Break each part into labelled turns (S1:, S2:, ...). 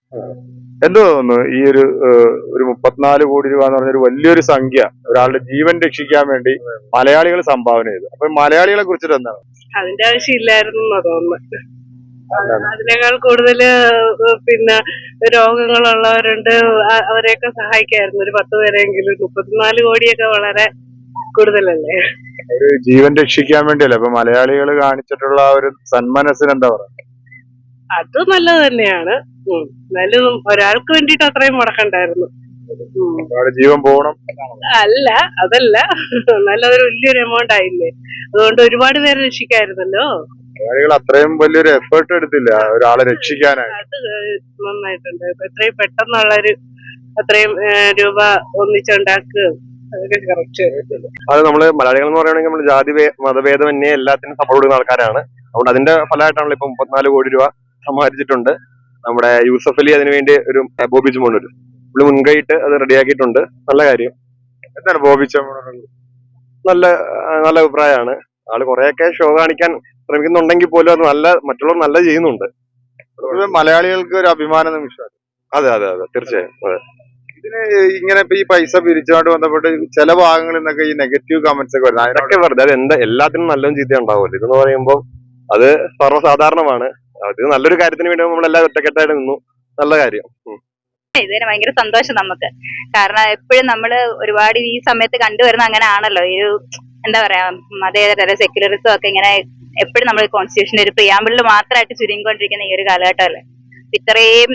S1: എന്ത് തോന്നുന്നു ഈ ഒരു 34 കോടി രൂപ എന്ന് പറഞ്ഞൊരു വലിയൊരു സംഖ്യ ഒരാളുടെ ജീവൻ രക്ഷിക്കാൻ വേണ്ടി മലയാളികൾ സംഭാവന ചെയ്തു. അപ്പൊ മലയാളികളെ കുറിച്ചിട്ട് എന്താണ്?
S2: അതിന്റെ ആവശ്യമില്ലായിരുന്നു തോന്നുന്നു. അതിനേക്കാൾ കൂടുതല് പിന്നെ രോഗങ്ങളുള്ളവരുണ്ട്, അവരെയൊക്കെ സഹായിക്കായിരുന്നു. ഒരു 10 പേരെങ്കിലും. 34 കോടിയൊക്കെ വളരെ കൂടുതലല്ലേ.
S1: ഒരു ജീവൻ രക്ഷിക്കാൻ വേണ്ടിയല്ലേ. അപ്പൊ മലയാളികൾ കാണിച്ചിട്ടുള്ള ആ ഒരു സന്മനസ്സിന് എന്താ പറയുക?
S2: അത് നല്ലത് തന്നെയാണ്. എന്നാലും ഒരാൾക്ക് വേണ്ടിട്ട് അത്രയും മുടക്കണ്ടായിരുന്നു.
S1: ഒരാളുടെ ജീവൻ പോകണം
S2: അല്ല, അതല്ല. നല്ലതൊരു വലിയൊരു എമൗണ്ട് ആയില്ലേ. അതുകൊണ്ട് ഒരുപാട് പേരെ രക്ഷിക്കായിരുന്നല്ലോ.
S1: മലയാളികൾ അത്രയും വലിയൊരു എഫേർട്ട് എടുത്തില്ല ഒരാളെ രക്ഷിക്കാനായി.
S2: അത് നന്നായിട്ടുണ്ട്. എത്രയും പെട്ടെന്നുള്ളൊരു അത്രയും രൂപ ഒന്നിച്ചുണ്ടാക്കുക, അതൊക്കെ കറക്റ്റ്.
S3: അത് നമ്മള് മലയാളികൾ എന്ന് പറയുകയാണെങ്കിൽ നമ്മൾ ജാതി മതഭേദമന്യേ എല്ലാത്തിനും സപ്പോർട്ട് കൊടുക്കുന്ന ആൾക്കാരാണ്. അതുകൊണ്ട് അതിന്റെ ഫലമായിട്ടാണല്ലോ ഇപ്പൊ 34 കോടി രൂപ സമാഹരിച്ചിട്ടുണ്ട്. നമ്മുടെ യൂസഫ് അലി അതിനുവേണ്ടി ഒരു ബോബി ചെമ്മണ്ണൂർ പുള്ളി മുൻകൈയിട്ട് അത് റെഡിയാക്കിയിട്ടുണ്ട്. നല്ല കാര്യം.
S1: എന്താണ് ബോബി ചെമ്മണ്ണൂർ?
S3: നല്ല നല്ല അഭിപ്രായമാണ്. ആള് കുറെയൊക്കെ ഷോ കാണിക്കാൻ ശ്രമിക്കുന്നുണ്ടെങ്കിൽ പോലും അത് മറ്റുള്ളവർ നല്ല ചെയ്യുന്നുണ്ട്.
S1: മലയാളികൾക്ക് ഒരു അഭിമാന നിമിഷം.
S3: അതെ അതെ അതെ, തീർച്ചയായും. അതെ.
S1: ഇതിന് ഇങ്ങനെ ഇപ്പൊ ഈ പൈസ പിരിച്ചുകൊണ്ട് ബന്ധപ്പെട്ട് ചില ഭാഗങ്ങളിൽ നിന്നൊക്കെ ഈ നെഗറ്റീവ് കമന്റ്സ് ഒക്കെ വരുന്നത്
S3: അതൊക്കെ വെറുതെ. അത് എല്ലാത്തിനും നല്ലതും ചീത്ത ഉണ്ടാവുമല്ലോ. ഇതെന്ന് പറയുമ്പോൾ അത് സർവ്വസാധാരണമാണ്. അത് നല്ലൊരു കാര്യത്തിന് വേണ്ടി നമ്മളെല്ലാം ഒറ്റക്കെട്ടായിട്ട് നിന്നു. നല്ല കാര്യം.
S4: ഇതിന് ഭയങ്കര സന്തോഷം നമുക്ക്. കാരണം എപ്പോഴും നമ്മള് ഒരുപാട് ഈ സമയത്ത് കണ്ടുവരുന്ന അങ്ങനെ ആണല്ലോ. ഈ ഒരു എന്താ പറയാ, മതേതര സെക്യുലറിസം ഒക്കെ ഇങ്ങനെ എപ്പോഴും നമ്മൾ കോൺസ്റ്റിറ്റ്യൂഷന്റെ ഒരു പ്രിയാമ്പിളിൽ മാത്രമായിട്ട് ചുരുങ്ങിക്കൊണ്ടിരിക്കുന്ന ഈ ഒരു കാലഘട്ടമല്ലേ. ഇത്രയും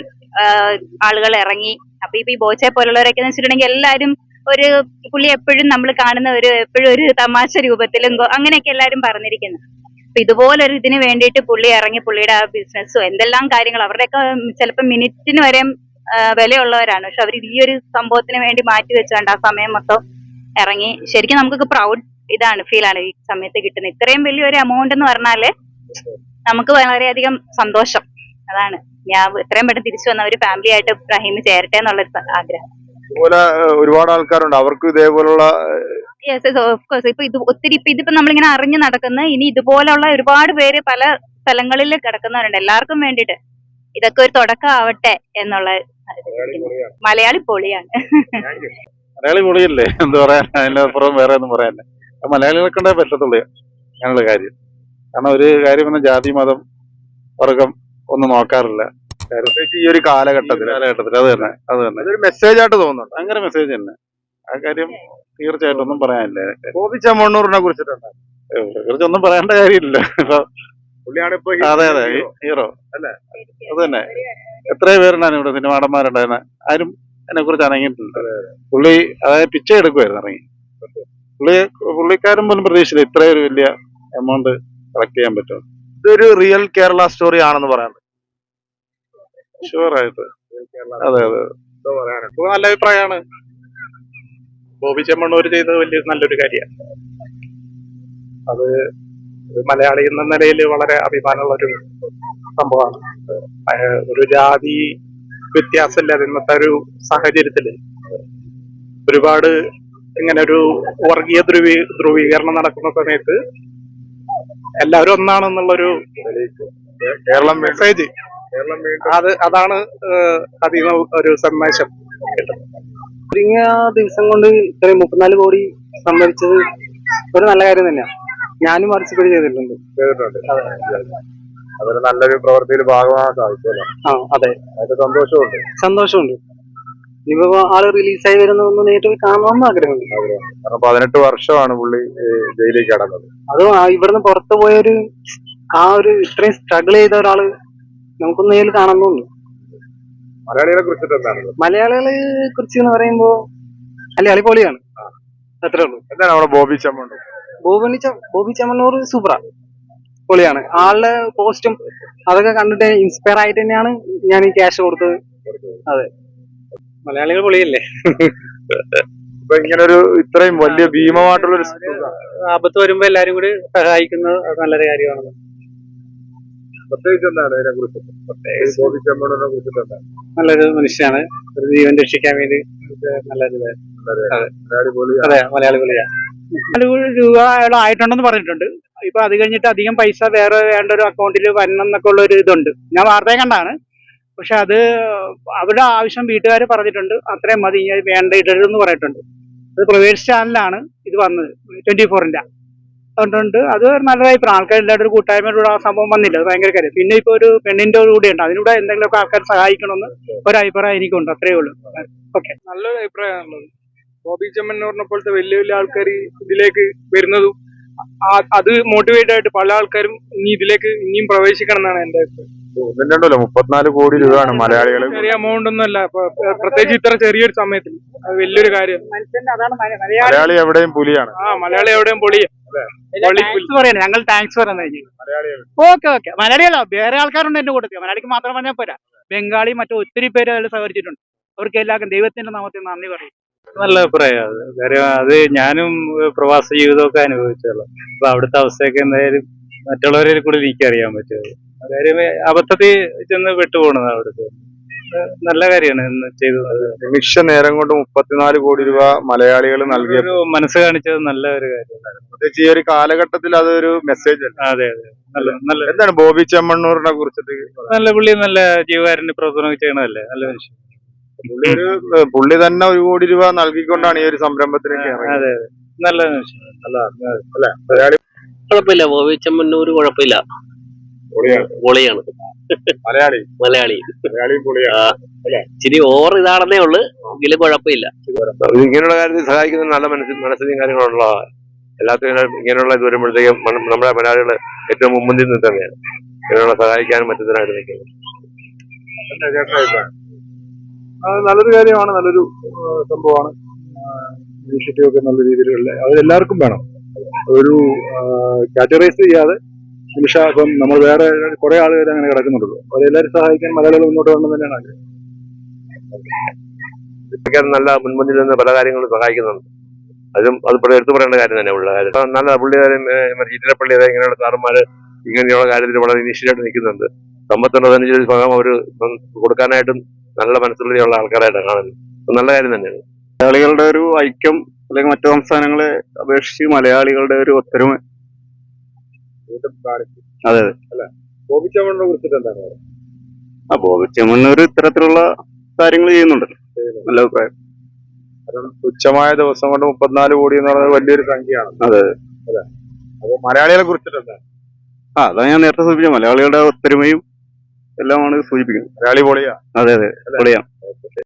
S4: ആളുകൾ ഇറങ്ങി. അപ്പൊ ഇപ്പൊ ഈ ബോച്ചെ പോലുള്ളവരൊക്കെ എന്ന് വെച്ചിട്ടുണ്ടെങ്കിൽ എല്ലാരും ഒരു പുള്ളി എപ്പോഴും നമ്മൾ കാണുന്ന എപ്പോഴും ഒരു തമാശ രൂപത്തിലും അങ്ങനെയൊക്കെ എല്ലാരും പറഞ്ഞിരിക്കുന്നു. അപ്പൊ ഇതുപോലൊരു ഇതിന് വേണ്ടിയിട്ട് പുള്ളി ഇറങ്ങി പുള്ളിയുടെ ആ ബിസിനസ്സോ എന്തെല്ലാം കാര്യങ്ങൾ അവരുടെയൊക്കെ ചിലപ്പോൾ മിനിറ്റിന് വരെ വിലയുള്ളവരാണ്. പക്ഷെ അവർ ഈ ഒരു സംഭവത്തിന് വേണ്ടി മാറ്റി വെച്ചുകൊണ്ട് ആ സമയം മൊത്തം ഇറങ്ങി. ശരിക്കും നമുക്കൊക്കെ പ്രൗഡ് ഫീലാണ് ഈ സമയത്ത് കിട്ടുന്നത്. ഇത്രയും വലിയൊരു എമൗണ്ട് എന്ന് പറഞ്ഞാല് നമുക്ക് വളരെയധികം സന്തോഷം. അതാണ് ഞാൻ എത്രയും പെട്ടെന്ന് തിരിച്ചു വന്ന ഒരു ഫാമിലി ആയിട്ട് റഹീം ചേരട്ടെ എന്നുള്ളൊരു ആഗ്രഹം.
S1: ഇതുപോലെ ഒരുപാട് ആൾക്കാരുണ്ട് അവർക്ക് ഇതേപോലുള്ള.
S4: Yes yes, of course. ഇപ്പൊ ഒത്തിരി ഇതിപ്പോ നമ്മളിങ്ങനെ അറിഞ്ഞു നടക്കുന്ന ഇനി ഇതുപോലുള്ള ഒരുപാട് പേര് പല സ്ഥലങ്ങളിൽ കിടക്കുന്നവരുണ്ട്. എല്ലാവർക്കും വേണ്ടിയിട്ട് ഇതൊക്കെ ഒരു തുടക്കം ആവട്ടെ എന്നുള്ള. മലയാളി പൊളിയാണ്.
S5: മലയാളി പൊളിയല്ലേ, എന്ത് പറയാൻ. അതിനപ്പുറം വേറെ ഒന്നും പറയാനില്ല. മലയാളികളെ കൊണ്ടേ പറ്റത്തുള്ളൂ ഞങ്ങളുടെ കാര്യം. കാരണം ഒരു കാര്യം വന്ന ജാതി മതം വർഗം ഒന്നും നോക്കാറില്ല
S1: ഈ ഒരു കാലഘട്ടത്തിൽ
S5: അത് തന്നെ
S1: അതൊരു മെസ്സേജ് ആയിട്ട് തോന്നുന്നുണ്ട്.
S5: ഭയങ്കര മെസ്സേജ് തന്നെ. ആ കാര്യം തീർച്ചയായിട്ടും ഒന്നും പറയാനില്ല.
S1: ബോബി ചെമ്മണ്ണൂറിനെ കുറിച്ചിട്ടുണ്ട്.
S5: കുറിച്ച് ഒന്നും പറയേണ്ട കാര്യമില്ല. ഇപ്പൊ
S1: പുള്ളിയാണ് ഇപ്പൊ
S5: അതെ അതെ ഹീറോ അല്ലേ. അത് തന്നെ. എത്രയോ പേരുണ്ടായിരുന്നു ഇവിടെ സിനിമാടന്മാരുണ്ടായിരുന്ന, ആരും അതിനെ കുറിച്ച് അനങ്ങിയിട്ടില്ല. പുള്ളി അതായത് പിച്ചை എടുക്കുമായിരുന്നു ഇറങ്ങി. പുള്ളിക്കാരൻ പോലും പ്രതീക്ഷിച്ചില്ല ഇത്രയൊരു വലിയ എമൗണ്ട് കളക്ട് ചെയ്യാൻ പറ്റും.
S1: ഇതൊരു റിയൽ കേരള സ്റ്റോറി ആണെന്ന് പറയാൻ
S5: ഷുവറായിട്ട്. അതെ അതെ, നല്ല അഭിപ്രായമാണ്. ബോബി ചെമ്മണ്ണൂർ ചെയ്തത് വലിയ നല്ലൊരു കാര്യമാണ്. അത് മലയാളി എന്ന നിലയിൽ വളരെ അഭിമാനമുള്ള ഒരു സംഭവമാണ്. ഒരു ജാതി വ്യത്യാസമില്ലാതെ ഇന്നത്തെ ഒരു സാഹചര്യത്തില് ഒരുപാട് ഇങ്ങനെ ഒരു വർഗീയ ധ്രുവീകരണം നടക്കുന്ന സമയത്ത് എല്ലാവരും ഒന്നാണെന്നുള്ളൊരു
S1: കേരളം
S5: മെസ്സേജ്, അതാണ് അതിൽ ഒരു സന്ദേശം കിട്ടുന്നത്.
S6: ചുരുങ്ങിയ ദിവസം കൊണ്ട് ഇത്രയും 34 കോടി സംഭരിച്ചത് ഒരു നല്ല കാര്യം തന്നെയാണ്. ഞാനും പാർട്ടിസിപ്പേറ്റ് ചെയ്തിട്ടുണ്ട്.
S1: അതൊരു നല്ലൊരു പ്രവൃത്തിയിൽ ഭാഗമാകാൻ സാധിച്ചല്ലോ.
S6: അതെ,
S1: അതിന്റെ സന്തോഷമുണ്ട്.
S6: ഇനിയിപ്പോ ആള് റിലീസായി വരുന്ന നേരിട്ട് കാണണമെന്ന് ആഗ്രഹമുണ്ട്.
S1: കാരണം 18 വർഷമാണ് പുള്ളി ജയിലിൽ കിടന്നത്.
S6: അത് ഇവിടുന്ന് പുറത്തു പോയൊരു ഇത്രയും സ്ട്രഗിൾ ചെയ്ത ഒരാള് നമുക്കൊന്ന് നേരിൽ കാണണമെന്നുണ്ട്.
S1: മലയാളികളെ കുറിച്ചിട്ട് എന്താണ്?
S6: മലയാളികളെ കുറിച്ച് എന്ന് പറയുമ്പോ മലയാളി പൊളിയാണ്, അത്രേ ഉള്ളൂ.
S1: എന്താണ് അവിടെ ബോബി ചെമ്മണ്ണൂർ?
S6: ബോബി ചെമ്മണ്ണൂർ സൂപ്പറാ, പൊളിയാണ്. ആളുടെ പോസ്റ്റും അതൊക്കെ കണ്ടിട്ട് ഇൻസ്പയർ ആയിട്ട് തന്നെയാണ് ഞാൻ ഈ ക്യാഷ് കൊടുത്തത്. അതെ, മലയാളികൾ പൊളിയല്ലേ.
S1: ഇപ്പൊ ഇങ്ങനൊരു ഇത്രയും വലിയ ഭീമമായിട്ടുള്ളൊരു
S6: ആപത്ത് വരുമ്പോ എല്ലാരും കൂടി സഹായിക്കുന്നത് നല്ലൊരു കാര്യമാണ്.
S1: പ്രത്യേകിച്ച് എന്താണ് അതിനെ കുറിച്ച്? ബോബി ചെമ്മണ്ണൂരിനെ കുറിച്ചിട്ട് എന്താണ്?
S6: നല്ലൊരു മനുഷ്യനാണ്. ഒരു ജീവൻ രക്ഷിക്കാൻ വേണ്ടി നല്ലൊരു അതെ, മലയാളി പൊളിയാണ്.
S7: 4 കോടി രൂപ അയാൾ ആയിട്ടുണ്ടെന്ന് പറഞ്ഞിട്ടുണ്ട്. ഇപ്പൊ അത് കഴിഞ്ഞിട്ട് അധികം പൈസ വേറെ വേണ്ട ഒരു അക്കൗണ്ടിൽ വരണം എന്നൊക്കെ ഉള്ള ഒരു ഇതുണ്ട്. ഞാൻ വാർത്തയെ കണ്ടാണ്. പക്ഷെ അത് അവരുടെ ആവശ്യം വീട്ടുകാർ പറഞ്ഞിട്ടുണ്ട്, അത്രയും മതി, ഇനി അത് വേണ്ട, ഇടരുതെന്ന് പറഞ്ഞിട്ടുണ്ട്. അത് പ്രൈവേറ്റ് ചാനലാണ് ഇത് വന്നത്, 24-ന്റെ. അതുകൊണ്ട് അത് നല്ലൊരു അഭിപ്രായം. ആൾക്കാരെല്ലാവരും ഒരു കൂട്ടായ്മയിലൂടെ ആ സംഭവം വന്നില്ല, അത് ഭയങ്കര കാര്യം. പിന്നെ ഇപ്പൊ ഒരു പെണ്ണിന്റെ കൂടെ ഉണ്ട്, അതിലൂടെ എന്തെങ്കിലുമൊക്കെ ആൾക്കാർ സഹായിക്കണമെന്ന് ഒരു അഭിപ്രായം എനിക്കുണ്ട്, അത്രേ ഉള്ളൂ. ഓക്കെ.
S6: നല്ലൊരു അഭിപ്രായമാണുള്ളത്. ബോബി ചെമ്മണ്ണൂരിനെ പോലത്തെ വലിയ വലിയ ആൾക്കാർ ഇതിലേക്ക് വരുന്നതും അത് മോട്ടിവേറ്റ് ആയിട്ട് പല ആൾക്കാരും ഇനി ഇതിലേക്ക് ഇനിയും പ്രവേശിക്കണം എന്നാണ് എന്റെ അഭിപ്രായം.
S1: ഒന്നുണ്ടല്ലോ 34 കോടി രൂപയാണ് മലയാളികൾ.
S6: ചെറിയ എമൗണ്ട് ഒന്നും അല്ല, പ്രത്യേകിച്ച് ഇത്ര ചെറിയൊരു സമയത്തിൽ അത് വലിയൊരു കാര്യം.
S7: അതാണ്
S1: മലയാളി എവിടെയും പുലിയാണ്.
S6: മലയാളി എവിടെയും പൊളിയ
S7: പറയണേ, ഞങ്ങൾ താങ്ക്സ് പറയുന്നത്. Okay okay. മലയാളികളോ വേറെ ആൾക്കാരുണ്ട് എന്റെ കൂട്ടത്തിൽ, മലയാളിക്ക് മാത്രം പറഞ്ഞാൽ പോരാ, ബംഗാളി മറ്റു ഒത്തിരി പേര് അതിൽ സഹകരിച്ചിട്ടുണ്ട്. അവർക്ക് എല്ലാവർക്കും ദൈവത്തിന്റെ നാമത്തിൽ നന്ദി പറയും.
S5: നല്ല അഭിപ്രായം. കാര്യം അത് ഞാനും പ്രവാസ ജീവിതമൊക്കെ അനുഭവിച്ചല്ലോ. അപ്പൊ അവിടുത്തെ അവസ്ഥയൊക്കെ എന്തായാലും മറ്റുള്ളവരെ കൂടി എനിക്കറിയാൻ പറ്റും. കാര്യം അബദ്ധത്തിൽ ചെന്ന് വിട്ടുപോകണത് അവിടുത്തെ. നല്ല കാര്യമാണ് ചെയ്തത്.
S1: നിമിഷ നേരം കൊണ്ട് 34 കോടി രൂപ മലയാളികൾ നൽകിയ
S5: ഒരു മനസ്സ് കാണിച്ചത് നല്ല ഒരു കാര്യമാണ്.
S1: പ്രത്യേകിച്ച് ഈ ഒരു കാലഘട്ടത്തിൽ അതൊരു മെസ്സേജ് അല്ല.
S5: അതെ അതെ, നല്ല നല്ല
S1: എന്താണ് ബോബി ചെമ്മണ്ണൂരിനെ കുറിച്ചിട്ട്?
S5: നല്ല പുള്ളി, നല്ല ജീവകാരുണ്യ പ്രവർത്തനം ചെയ്യണതല്ലേ, നല്ല മനുഷ്യൻ.
S1: പുള്ളി തന്നെ 1 കോടി രൂപ നൽകിക്കൊണ്ടാണ് ഈ ഒരു സംരംഭത്തിലേക്ക് ഇറങ്ങിയത്.
S5: അതെ അതെ, നല്ല മനുഷ്യൻ.
S1: അല്ലെ മലയാളി
S8: കുഴപ്പമില്ല, ബോബി ചെമ്മണ്ണൂർ കുഴപ്പമില്ല, പൊളിയാണ്.
S1: മലയാളി
S8: മലയാളി
S1: പൊളിയാണ്.
S8: ഇച്ചിരി ഓവർ ഇതാണെന്നേ ഉള്ളു, എങ്കിലും കുഴപ്പമില്ല.
S3: ഇങ്ങനെയുള്ള കാര്യത്തിൽ സഹായിക്കുന്ന നല്ല മനസ്സിലും കാര്യങ്ങളുള്ള എല്ലാത്തിനും ഇങ്ങനെയുള്ള ഇത് വരുമ്പോഴത്തേക്കും നമ്മുടെ മലയാളികൾ ഏറ്റവും മുൻപന്തിൽ നിന്ന് തന്നെയാണ് ഇങ്ങനെയുള്ള സഹായിക്കാനും മറ്റത്തിനായിട്ട് നിൽക്കുന്നത്.
S5: നല്ലൊരു കാര്യമാണ്, നല്ലൊരു സംഭവമാണ്. ഇനിഷ്യേറ്റീവ് ഒക്കെ നല്ല രീതിയിലുള്ള അതെല്ലാവർക്കും വേണം. ഒരു കാറ്റഗറൈസ് ചെയ്യാതെ ഇപ്പം നമ്മൾ വേറെ കുറെ ആളുകൾ അങ്ങനെ കിടക്കുന്നുണ്ടല്ലോ, അവരെല്ലാവരും സഹായിക്കാൻ മലയാളികൾ മുന്നോട്ട് വരണം തന്നെയാണ് ആഗ്രഹം.
S3: നല്ല മുൻപന്തിൽ നിന്ന് പല കാര്യങ്ങളും സഹായിക്കുന്നുണ്ട്. അത് എടുത്തു പറയേണ്ട കാര്യം തന്നെ ഉള്ള കാര്യം. നല്ല പുള്ളിക്കാരും ചീറ്റിലപ്പള്ളി ഇങ്ങനെയുള്ള സാറന്മാര് ഇങ്ങനെയുള്ള കാര്യത്തിൽ വളരെ ഇനീഷ്യലായിട്ട് നിൽക്കുന്നുണ്ട്. സമ്പത്തുള്ളതനുസരിച്ച് ഭാഗം അവർ കൊടുക്കാനായിട്ടും നല്ല മനസ്സുള്ള ആൾക്കാരായിട്ടാണ് കാണുന്നത്. നല്ല കാര്യം തന്നെയാണ്.
S5: മലയാളികളുടെ ഒരു ഐക്യം അല്ലെങ്കിൽ മറ്റു സംസ്ഥാനങ്ങളെ അപേക്ഷിച്ച് മലയാളികളുടെ ഒരു ഒത്തൊരുമ. അതെ അതെ.
S1: ബോബി ചെമ്മണ്ണൂരിനെ കുറിച്ചിട്ട് എന്താണ്?
S5: ബോബി ചെമ്മണ്ണൂർ ഇത്തരത്തിലുള്ള കാര്യങ്ങൾ ചെയ്യുന്നുണ്ട്, നല്ല അഭിപ്രായം.
S1: തുച്ഛമായ ദിവസം കൊണ്ട് 34 കോടി എന്ന് പറയുന്നത് വലിയൊരു സംഖ്യയാണ്.
S5: അതെ
S1: അതെ. അപ്പൊ മലയാളികളെ കുറിച്ചിട്ട് എന്താണ്?
S5: അതാണ് ഞാൻ നേരത്തെ സൂചിപ്പിച്ചത്, മലയാളികളുടെ ഒത്തൊരുമയും എല്ലാമാണ് സൂചിപ്പിക്കുന്നത്.
S1: മലയാളി പൊളിയാ.
S5: അതെ അതെ, പൊളിയാണ്.